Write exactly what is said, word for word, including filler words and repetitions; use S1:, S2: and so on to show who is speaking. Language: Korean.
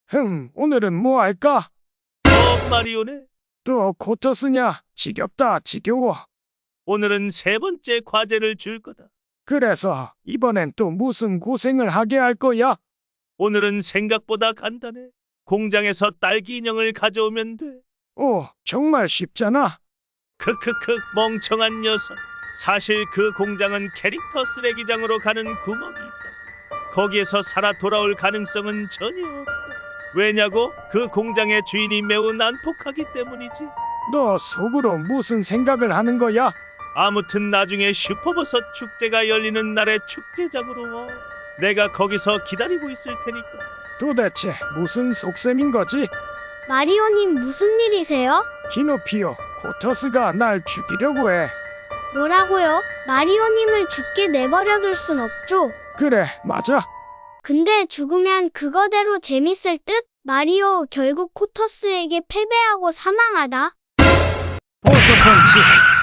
S1: 흠, 오늘은 뭐 할까?
S2: 어, 마리오네.
S1: 또 코터스냐? 지겹다, 지겨워.
S2: 오늘은 세 번째 과제를 줄 거다.
S1: 그래서 이번엔 또 무슨 고생을 하게 할 거야?
S2: 오늘은 생각보다 간단해. 공장에서 딸기 인형을 가져오면 돼.
S1: 오, 정말 쉽잖아.
S2: 크크크 멍청한 녀석. 사실 그 공장은 캐릭터 쓰레기장으로 가는 구멍이 있다. 거기에서 살아 돌아올 가능성은 전혀 없다. 왜냐고? 그 공장의 주인이 매우 난폭하기 때문이지.
S1: 너 속으로 무슨 생각을 하는 거야?
S2: 아무튼 나중에 슈퍼버섯 축제가 열리는 날에 축제장으로 와. 내가 거기서 기다리고 있을 테니까.
S1: 도대체 무슨 속셈인 거지?
S3: 마리오님 무슨 일이세요?
S1: 키노피오, 코터스가 날 죽이려고 해.
S3: 뭐라고요? 마리오님을 죽게 내버려둘 순 없죠.
S1: 그래, 맞아.
S3: 근데 죽으면 그거대로 재밌을 듯? 마리오 결국 코터스에게 패배하고 사망하다.
S1: 보스 펀치.